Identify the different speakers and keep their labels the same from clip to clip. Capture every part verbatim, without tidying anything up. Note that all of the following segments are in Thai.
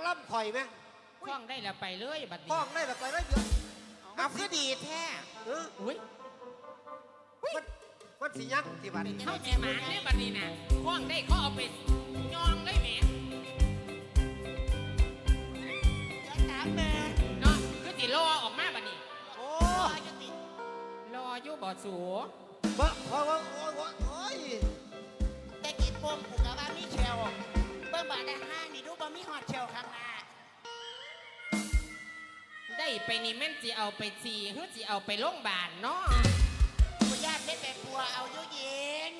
Speaker 1: งล่ำข่อยไหม
Speaker 2: คล้องได้แล้วไปเลยบัดนี้
Speaker 1: คล้องได้ละไปได้เดือน
Speaker 3: เอาคือดีแท้
Speaker 1: เออ
Speaker 2: อุ้ย
Speaker 1: มันมันสิยักที่บ้าน
Speaker 2: เข้าสีหมาเนี่ยบัดนี้น่ะคล้องได้เขาเอาไปยองได้แหม
Speaker 4: จะถามแม่
Speaker 2: เนาะคือสิรอออกมาบัดนี้
Speaker 1: โอ้
Speaker 4: พ่อจะติด
Speaker 2: รออยู่บ่สู
Speaker 1: บ่พอว่าโอ้ยโอ้ย
Speaker 4: แต่กินปมผูกกับว่ามีเชลเบิ่งบาดได้ห้านี่ดูบ่มีฮอดเชลข้างหน้า
Speaker 2: ได้ไปนี่แม่นสิเอาไปสีหรือสิเอาไปโรงพยาบาลเนาะ
Speaker 4: คุณญาติได้ไปปัวเอาอยู่เย็น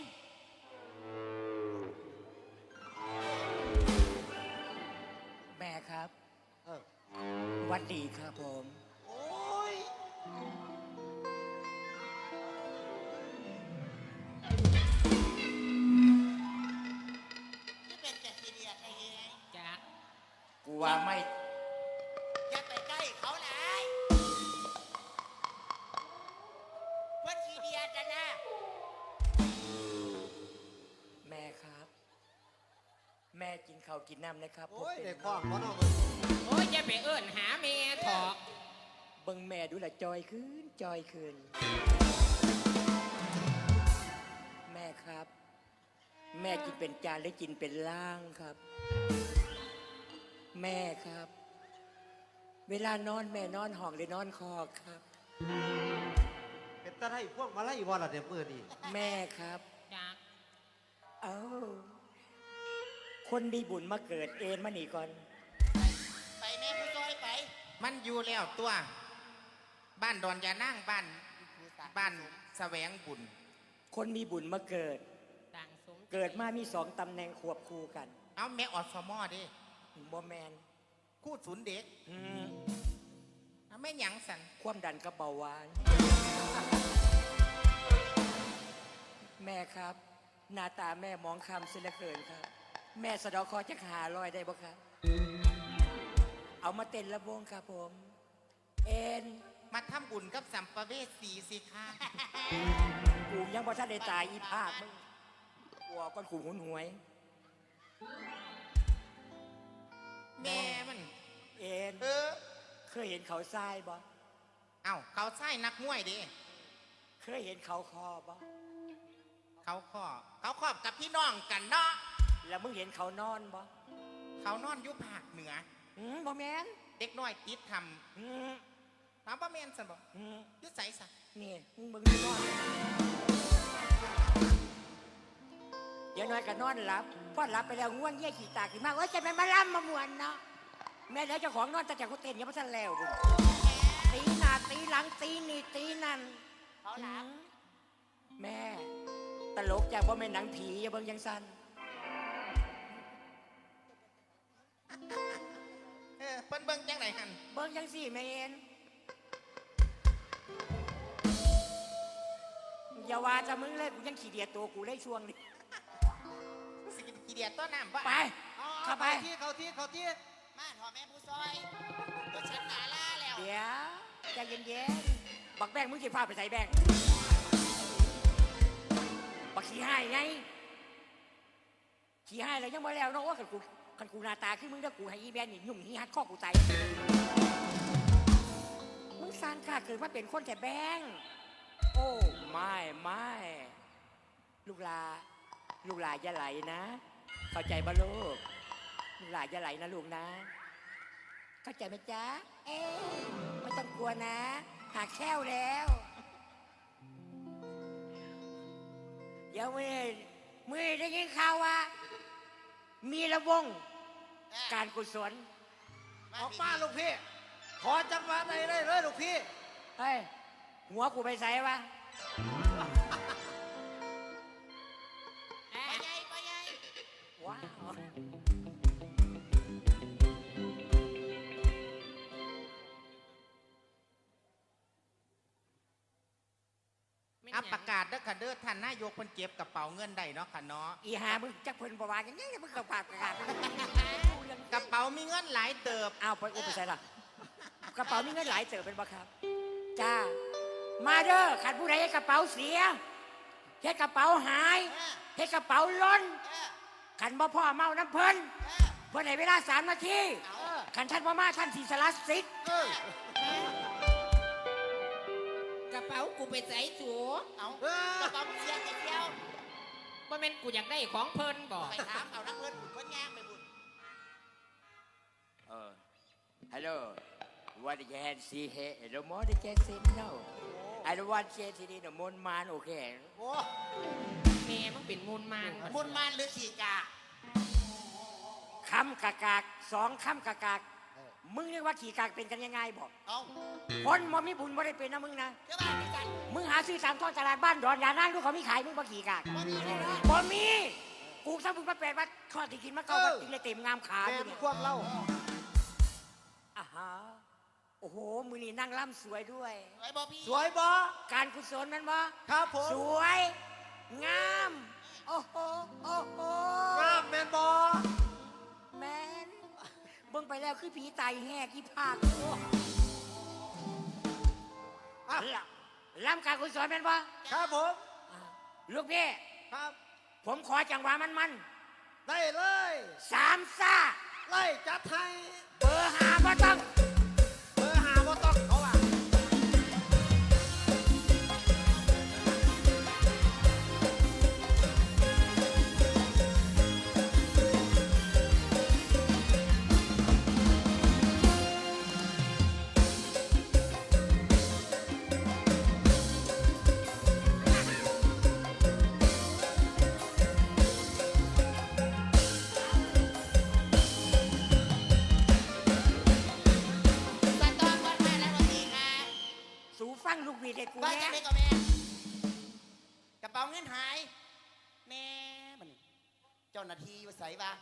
Speaker 5: แม่ครับ
Speaker 1: เออ
Speaker 5: วัดดีครับผม
Speaker 1: โอ้ย
Speaker 4: ที่เป็นแกทีเดียดไอ้เอง
Speaker 2: จ้ะ
Speaker 5: กูว่าไม่
Speaker 4: อย่าไปใกล้เขาหลายเพิ่นทีเดียดนะนะ
Speaker 5: แม่ครับ แม่กินข้าวกินน้ำนะครับ
Speaker 1: โอ้ย
Speaker 5: ผม
Speaker 1: เด็
Speaker 5: เป็
Speaker 1: ก
Speaker 5: น
Speaker 1: คล้องบ่เนาะ
Speaker 2: โอ้ยอย่าไปเอิ้นหาแม่เถอะ
Speaker 5: เบิ่งแม่ดูละจอยขึ้นจอยขึ้น แม่ครับ แม่กินเป็นจานหรือกินเป็นล่างครับ แม่ครับ เวลานอนแม่นอนห้องหรือนอนคอกครับ
Speaker 1: เป็นตาไทยพวกมาไล่บ่ล่ะเดี๋ยวมื้อนี้
Speaker 5: แม่ครับ
Speaker 2: จ้ะ
Speaker 5: เอ้าคนมีบุญมาเกิดเอ็นมาหนีก่อน
Speaker 4: ไปแม่ผู้ซอยไป
Speaker 3: มันอยู่แล้วตัว บ้านดอนยานั่งบ้านบ้านแสวงบุญ
Speaker 5: คนมีบุญมาเกิด
Speaker 2: ต่างสม
Speaker 5: เกิดมามีสองตำแหน่งควบคู่กัน
Speaker 3: เอาแม่ออสมอดิ
Speaker 5: บอแมน
Speaker 3: คู่ศูนย์เด็ก
Speaker 5: อืม
Speaker 3: เอาแม่หยังสัน
Speaker 5: ความดันกระเบาหวาน แม่ครับ หน้าตาแม่มองคำเสียเหลือเกินครับ แม่สะเดอคอจะหาลอยได้บ่ครับ เอามาเต้นระวงครับผม เอ็น
Speaker 3: มาทำบุญกับสัมภเวสีสิคะ
Speaker 5: กูยังบ่ทันได้ตายอีภาคมึงกลัวก้อนขู่หุนหวย
Speaker 3: แม่มัน
Speaker 5: เอ็น
Speaker 3: เออ
Speaker 5: เคยเห็นเขาทรายบ่
Speaker 3: เอ้าเขาใช่นักมวยดิ
Speaker 5: เคยเห็นเขาคอบ่
Speaker 3: เขาข้อเขาครอบกับพี่น้องกันเนาะ
Speaker 5: แล้วมึงเห็นเขานอนบ่
Speaker 3: เขานอนอยู่ภาคเหนือ
Speaker 5: อืมบ่แมน
Speaker 3: เด็กน้อยติดท
Speaker 5: อืม
Speaker 3: ำถามว่าแม่นสันบอก
Speaker 5: อืม
Speaker 3: ยุดใส่สะ
Speaker 5: นี่มึงเบิ่งนอนเดี๋ยวน้อยก็นอนหลับพอหลับไปแล้วง่วงเงี้ยขี้ตาขึ้นมาเอ้ยจะแม่นมาล่ำมามวนเนาะแม่แล้วเจ้าของนอนแต่จากเขาเต้นยังไม่ทันแล้วบุตีหน้าตีหลังตีนี่ตีนั่น
Speaker 4: เขาหลับ
Speaker 5: แม่ ตลกจากว่าแม่นหนังผีอย่าเบิ่งยังสั้น
Speaker 3: เออเปิ้นเบิ่งจังไหนหัน
Speaker 5: เบิ่งยังสี่แม่เอ็นอย่าว่าจะมึงเลยกูยังขี้เดียดตัวกูได้ช่วงนี้
Speaker 3: สิกินขี้เดียดต้นน้ำว่า
Speaker 5: ไป
Speaker 4: เอา
Speaker 5: เข้าไป
Speaker 1: ที่เขาที่เขาที่
Speaker 4: มาถอแม่ผู้ซอยก็ฉันหนาล่าแล้ว
Speaker 5: เดี๋ยวใจเย็นๆบักแบงมึงจะพาไปใส่แบงบักขี้ให้ไงขี้ให้แล้วยังไม่แล้วเนาะว่าขันกูขันกูหน้าตาขึ้นมึงแล้วกูให้อีแบนนี่ยุ่งฮีฮัดข้อกูตายมึงสร้างข้าเกิดมาเป็นคนแต่แบงโอ้ไม่ไม่ลูกลาลูกลาอย่าไหลนะ เข้าใจบ่ลูกลูกลาอย่าไหลนะลูกนะ เข้าใจไหมจ๊ะ เอ๊ะไม่ต้องกลัวนะ หาแค้วแล้ว เดี๋ยวมือมือได้ยินข่าวว่า มีระวงการกุศล
Speaker 1: ออกมาลูกพี่ ขอจังหวะไหนได้เลยลูกพี่
Speaker 5: เฮ้ย หัวกูไปใส่วะ
Speaker 4: ไปใหญ่ไปใหญ่
Speaker 5: ว้าว
Speaker 3: อัปประกาศเด้อค่ะเด้อท่านนายกเพิ่นเก็บกระเป๋าเงินได้เนาะค่ะเนาะ
Speaker 5: อีหามึงจักเพิ่นประวานกันยังมึงกระปากกระกาด
Speaker 3: กระเป๋ามีเงินหลายเติบ
Speaker 5: อ้าวไปอุปใส่ละกระเป๋ามีเงินหลายเติบเป็นบ่ครับ จ้า มาเด้อขันผู้ใดให้กระเป๋าเสียเฮ็ดกระเป๋าหายเฮ็ดกระเป๋าล้น
Speaker 4: เออ
Speaker 5: ขันบ่พ่อเมาน้ำเพิ่น
Speaker 4: เออ
Speaker 5: เพิ่นให้เวลาสามนาที
Speaker 4: เอา
Speaker 5: เขันท่านพ่อมาท่านสีสลัดซิก
Speaker 1: เออก
Speaker 2: ระเป๋ากูไปใส่สู
Speaker 4: เอา
Speaker 1: เออก
Speaker 4: ระเป๋าเสียไอ้เที่ยว
Speaker 2: ว่าแม่นกูอยากได้ของเพิ่นบอก
Speaker 4: ไปถามเอานักเพื่อนบุญเพื่อนย่างไปบุญ
Speaker 5: เออฮัลโหล what you can see here no more they can say no I don't want to say today no more man okay
Speaker 1: โอ้
Speaker 2: แม่มึงเป็นมูลมาน
Speaker 4: มุนมานหรือสีกา
Speaker 5: คำกากากสองคำกากากมึงเรียกว่าขี่กากเป็นกันยังไงบอก
Speaker 4: เอา
Speaker 5: คนมอมีบุญบ่ได้เป็นนะมึงนะ
Speaker 4: เจ้าบ้านด้วยกัน
Speaker 5: มึงหาซื้อตามท้องตลาดบ้านดอนยานั่งดูเขามีขายมึงบ่ขี่กาก
Speaker 4: บ่มีเลยนะ
Speaker 5: บ่มีกูถ้ามึงมาแปลว่าข้อที่กินมาเก่ามาติงเลยเต็มงามขา
Speaker 1: แม่
Speaker 5: อยู่
Speaker 1: น
Speaker 5: เนี่ย
Speaker 1: ควงเล่า
Speaker 5: อ่าฮะโอ้โหมือนี่นั่งล่ำสวยด้วย
Speaker 4: ไอ้บ่พี่
Speaker 1: สวยบ่
Speaker 5: การกุศลแมันบ่
Speaker 1: ครับผม
Speaker 5: สวย งาม โอ้โหโอ้โห
Speaker 1: งามแม่นบ่
Speaker 5: แมนเบิ่งไปแล้วคือผีตายแห่กี่ภาค
Speaker 1: อ่ะ
Speaker 5: ล่ำการกุศลแม่นบ่
Speaker 1: ครับผม
Speaker 5: ลูกพี่
Speaker 1: ครับ
Speaker 5: ผมขอจังหวะมันมัน
Speaker 1: ได้เลย
Speaker 5: ๆสามซ่า
Speaker 1: ไล่จัดให้
Speaker 5: เบอร์หาบ่ต้อง
Speaker 1: เบอร์หาบ่ต้องเขาว่า
Speaker 4: ตอนตอนวัดแม่แล้ววันนี้ค่ะ
Speaker 5: สูฟังลูกวีดให้กู
Speaker 4: ว่า
Speaker 5: แน่
Speaker 4: จะได้กับแม่กระเป๋าเงินหายแม่มันเจ้าหน้าที่ว่าใส่ปะ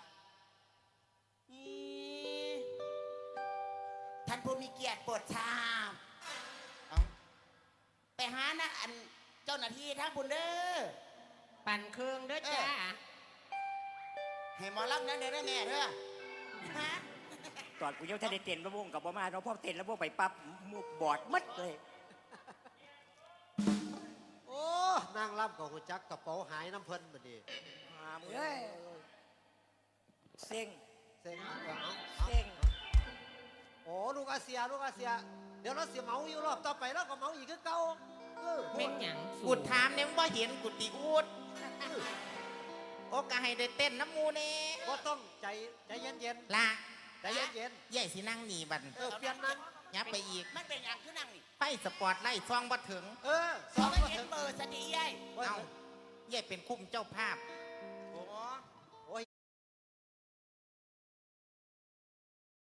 Speaker 4: นี่ท่านผู้มีเกียรติโปรดทราบเอาไปหานะอันเจ้าหน้าที่ทั้งบุญเด้อ
Speaker 2: ปั่นเครื่องเด้อจ้า
Speaker 4: ให้หมอรับนั้นเด้อแม่เด้อฮะ
Speaker 5: ตอนกูยังท่านได้เต้นระวงกับบ่มาเราะพ่อเต้นระวงไปปั๊บมุกบอดมัดเลย
Speaker 1: โอ้นางล่ำกับหัวจักกระเป๋าหายน้ำเพิ่นบัดนี้
Speaker 5: หามเอ้ยเซ็ง
Speaker 1: เซ็งเอาเอา
Speaker 5: เซ็ง
Speaker 1: โอ้ลูกอาเซียลูกอาเซีย เดี๋ยวเราเสียเมาอยู่รอบต่อไปแล้วก็เมาอีกคือเก่าเออ
Speaker 2: แม่นหยังสู
Speaker 3: กูถามเนี่ยมึงบ่เห็นกูติอูดโอกาให้ได้เต้นน้ำมูเน่
Speaker 1: ก็ต้องใจใจเย็นเย็น
Speaker 3: ละ
Speaker 1: ๆใจเย็นเย็น
Speaker 3: ใหญ่สินั่งหนีบัน
Speaker 1: ๆเออเปลี่ยนนั่ง
Speaker 3: ยับไปอีก
Speaker 4: มันเป็นอย่างคือนั่งนี่
Speaker 3: ไฟสปอร์ตไล่ซองบ่ถึง
Speaker 1: เออส
Speaker 4: สอ
Speaker 1: อง ง
Speaker 4: ไม่
Speaker 1: ก็
Speaker 4: เห็น
Speaker 1: ถึง
Speaker 4: เบอร์สติยัย
Speaker 1: ว่า
Speaker 3: เอาใหญ่เป็นคุ้มเจ้าภาพ
Speaker 4: เ